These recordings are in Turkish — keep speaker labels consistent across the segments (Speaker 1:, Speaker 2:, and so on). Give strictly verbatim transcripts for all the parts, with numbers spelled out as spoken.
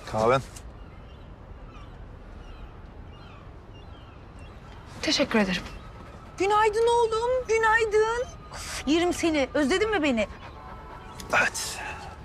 Speaker 1: Kahven.
Speaker 2: Teşekkür ederim.
Speaker 3: Günaydın oğlum, günaydın. Of, yerim seni. Özledin mi beni?
Speaker 1: Evet.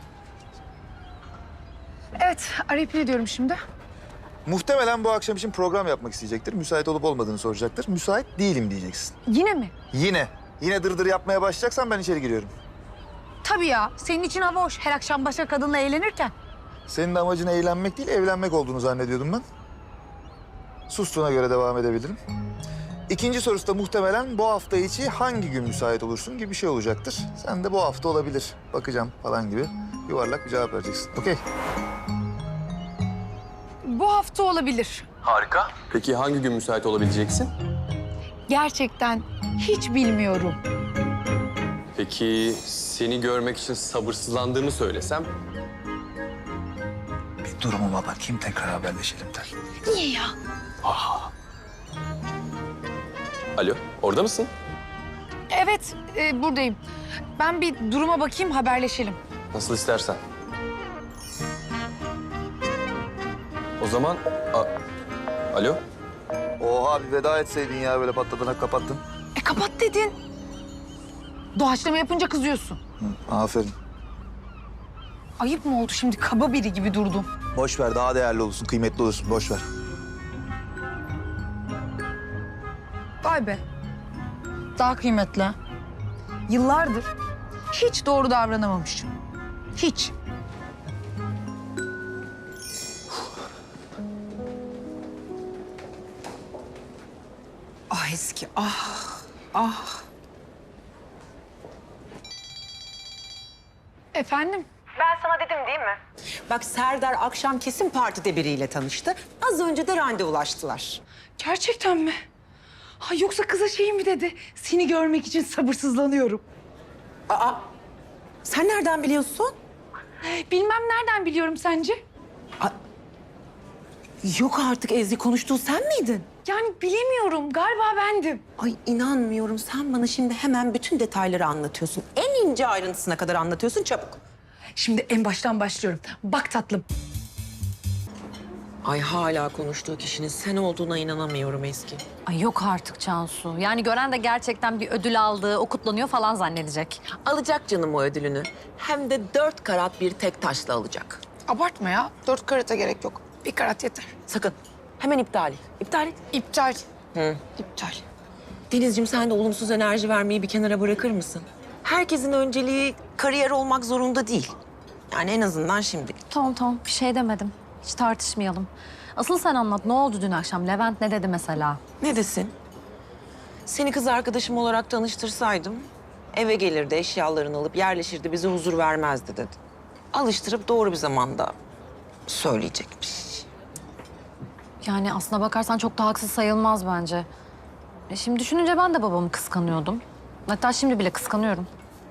Speaker 2: Evet, arayıp ne diyorum şimdi?
Speaker 1: Muhtemelen bu akşam için program yapmak isteyecektir. Müsait olup olmadığını soracaktır. Müsait değilim diyeceksin.
Speaker 2: Yine mi?
Speaker 1: Yine. Yine dırdır yapmaya başlayacaksan ben içeri giriyorum.
Speaker 3: Tabii ya. Senin için hava hoş. Her akşam başka kadınla eğlenirken.
Speaker 1: Senin de amacın eğlenmek değil, evlenmek olduğunu zannediyordum ben. Sustuğuna göre devam edebilirim. İkinci sorusu da muhtemelen bu hafta içi hangi gün müsait olursun gibi bir şey olacaktır. Sen de bu hafta olabilir, bakacağım falan gibi yuvarlak bir cevap vereceksin. Okey.
Speaker 2: Bu hafta olabilir.
Speaker 4: Harika. Peki hangi gün müsait olabileceksin?
Speaker 2: Gerçekten hiç bilmiyorum.
Speaker 4: Peki seni görmek için sabırsızlandığımı söylesem?
Speaker 1: Bir durumuma bakayım, tekrar haberleşelim Tel.
Speaker 2: Niye ya?
Speaker 4: Alo, orada mısın?
Speaker 2: Evet, e, buradayım. Ben bir duruma bakayım, haberleşelim.
Speaker 4: Nasıl istersen. O zaman... A- Alo?
Speaker 1: Oha, bir veda etseydin ya, böyle patladığına kapattın.
Speaker 2: E kapat dedin. Doğaçlama yapınca kızıyorsun.
Speaker 1: Hı, aferin.
Speaker 2: Ayıp mı oldu şimdi? Kaba biri gibi durdum.
Speaker 1: Boş ver, daha değerli olursun, kıymetli olursun. Boş ver.
Speaker 2: Vay be. Daha kıymetli. Yıllardır hiç doğru davranamamışım. Hiç.
Speaker 5: Ah Eski, ah, ah.
Speaker 2: Efendim?
Speaker 5: Ben sana dedim değil mi? Bak Serdar akşam kesin partide biriyle tanıştı. Az önce de randevulaştılar.
Speaker 2: Gerçekten mi? Ha, yoksa kıza şey mi dedi? Seni görmek için sabırsızlanıyorum.
Speaker 5: Aa, sen nereden biliyorsun?
Speaker 2: Bilmem nereden biliyorum sence?
Speaker 5: Yok artık Ezgi, konuştuğu sen miydin?
Speaker 2: Yani bilemiyorum. Galiba bendim.
Speaker 5: Ay inanmıyorum, sen bana şimdi hemen bütün detayları anlatıyorsun. En ince ayrıntısına kadar anlatıyorsun, çabuk.
Speaker 2: Şimdi en baştan başlıyorum. Bak tatlım.
Speaker 5: Ay hala konuştuğu kişinin sen olduğuna inanamıyorum Ezgi.
Speaker 6: Ay yok artık Cansu. Yani gören de gerçekten bir ödül aldı, o kutlanıyor falan zannedecek.
Speaker 5: Alacak canım o ödülünü. Hem de dört karat bir tek taşla alacak.
Speaker 2: Abartma ya. Dört karata gerek yok. Bir karat yeter.
Speaker 5: Sakın. Hemen iptal et. İptal et.
Speaker 2: İptal.
Speaker 5: Hı.
Speaker 2: İptal.
Speaker 5: Denizciğim, sen de olumsuz enerji vermeyi bir kenara bırakır mısın? Herkesin önceliği kariyer olmak zorunda değil. Yani en azından şimdi.
Speaker 6: Tamam tamam bir şey demedim. Hiç tartışmayalım. Asıl sen anlat. Ne oldu dün akşam? Levent ne dedi mesela?
Speaker 5: Ne desin? Seni kız arkadaşım olarak tanıştırsaydım eve gelirdi, eşyalarını alıp yerleşirdi, bize huzur vermezdi dedi. Alıştırıp doğru bir zamanda söyleyecekmiş.
Speaker 6: Yani aslına bakarsan çok da haksız sayılmaz bence. E şimdi düşününce ben de babamı kıskanıyordum. Hatta şimdi bile kıskanıyorum.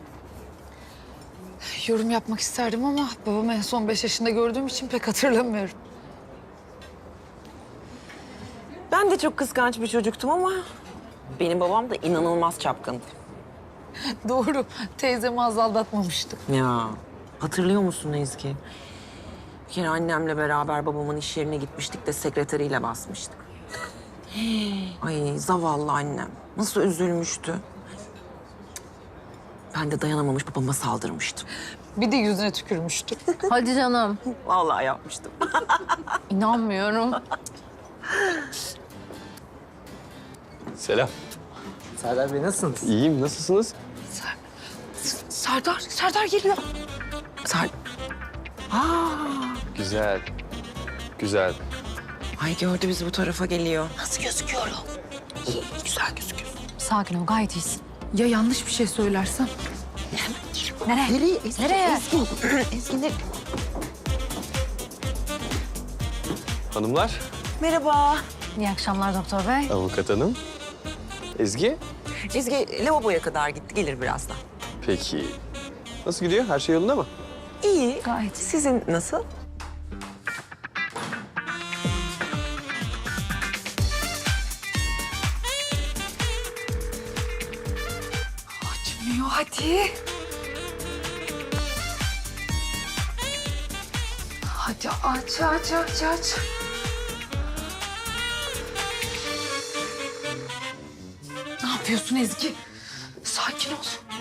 Speaker 2: Yorum yapmak isterdim ama babamı en son beş yaşında gördüğüm için pek hatırlamıyorum.
Speaker 5: Ben de çok kıskanç bir çocuktum ama benim babam da inanılmaz çapkındı.
Speaker 2: Doğru. Teyzemi az aldatmamıştı.
Speaker 5: Ya hatırlıyor musun Ezgi? Bir kere annemle beraber babamın iş yerine gitmiştik de sekreteriyle basmıştık. Ay zavallı annem. Nasıl üzülmüştü. Ben de dayanamamış babama saldırmıştım.
Speaker 2: Bir de yüzüne tükürmüştü.
Speaker 6: Hadi canım.
Speaker 5: Vallahi yapmıştım.
Speaker 6: İnanmıyorum.
Speaker 4: Selam.
Speaker 7: Serdar Bey nasılsınız?
Speaker 4: İyiyim, nasılsınız?
Speaker 2: Serdar, Serdar geliyor.
Speaker 5: Sar... Aa,
Speaker 4: Güzel. Güzel.
Speaker 5: ay gördü bizi, bu tarafa geliyor.
Speaker 2: Nasıl gözüküyorum?
Speaker 5: İyi, güzel gözüküyor.
Speaker 6: Sakin ol gayet iyisin.
Speaker 2: Ya yanlış bir şey söylersem?
Speaker 6: Nereye?
Speaker 5: Nereye? Ezgi,
Speaker 6: Nereye?
Speaker 5: Ezgi, Ezgi ne?
Speaker 4: Hanımlar,
Speaker 5: Merhaba.
Speaker 6: İyi akşamlar doktor bey.
Speaker 4: avukat hanım. Ezgi.
Speaker 5: Ezgi lavaboya kadar gitti, gelir birazdan.
Speaker 4: Peki. Nasıl gidiyor? Her şey yolunda mı?
Speaker 5: İyi.
Speaker 6: Gayet.
Speaker 5: Sizin nasıl?
Speaker 2: Açmıyor hadi. Hadi. Ya aç aç aç aç. Ne yapıyorsun Ezgi? Sakin ol.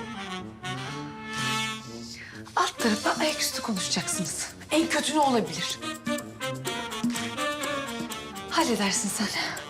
Speaker 2: Alt tarafta ayaküstü konuşacaksınız. En kötü ne olabilir? Halledersin sen.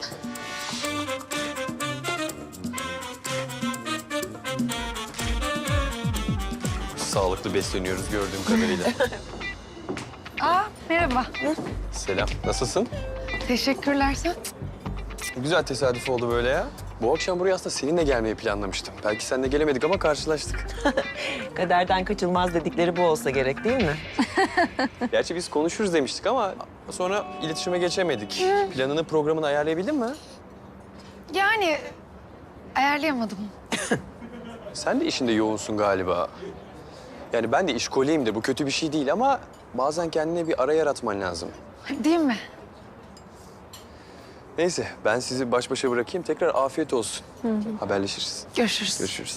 Speaker 4: Sağlıklı besleniyoruz gördüğüm kadarıyla.
Speaker 2: Aa merhaba.
Speaker 4: Selam, nasılsın?
Speaker 2: Teşekkürler sen.
Speaker 4: Güzel tesadüf oldu böyle ya. Bu akşam buraya aslında seninle gelmeyi planlamıştım. Belki seninle gelemedik ama karşılaştık.
Speaker 5: Kaderden kaçılmaz dedikleri bu olsa gerek değil mi?
Speaker 4: Gerçi biz konuşuruz demiştik ama sonra iletişime geçemedik. Planını, programını ayarlayabildin mi?
Speaker 2: Yani ayarlayamadım.
Speaker 4: Sen de işinde yoğunsun galiba. Yani ben de işkoleyimdir. Bu kötü bir şey değil ama bazen kendine bir ara yaratman lazım.
Speaker 2: Değil mi?
Speaker 4: Neyse ben sizi baş başa bırakayım. Tekrar afiyet olsun. Haberleşiriz.
Speaker 2: Görüşürüz.
Speaker 4: Görüşürüz.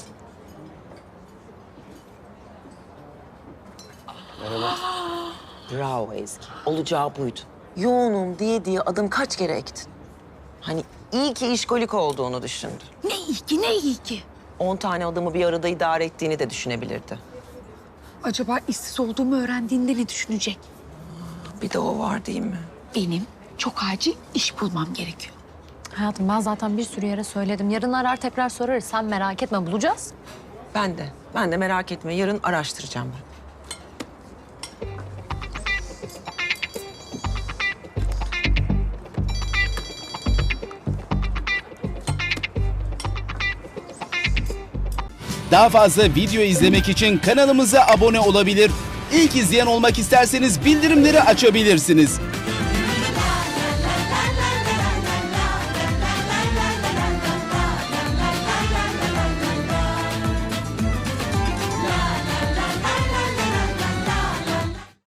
Speaker 4: Merhaba.
Speaker 5: Bravo Ezgi. Olacağı buydu. Yoğunum diye diye adım kaç kere ektin? Hani iyi ki işkolik olduğunu düşündü.
Speaker 3: Ne iyi ki ne iyi ki.
Speaker 5: On tane adamı bir arada idare ettiğini de düşünebilirdi.
Speaker 3: Acaba işsiz olduğumu öğrendiğinde ne düşünecek?
Speaker 5: Bir de o var değil mi?
Speaker 3: Benim çok acil iş bulmam gerekiyor.
Speaker 6: Hayatım ben zaten bir sürü yere söyledim. Yarın arar tekrar sorarız. Sen merak etme bulacağız.
Speaker 5: Ben de. Ben de merak etme. Yarın araştıracağım ben.
Speaker 8: Daha fazla video izlemek için kanalımıza abone olabilir. İlk izleyen olmak isterseniz bildirimleri açabilirsiniz.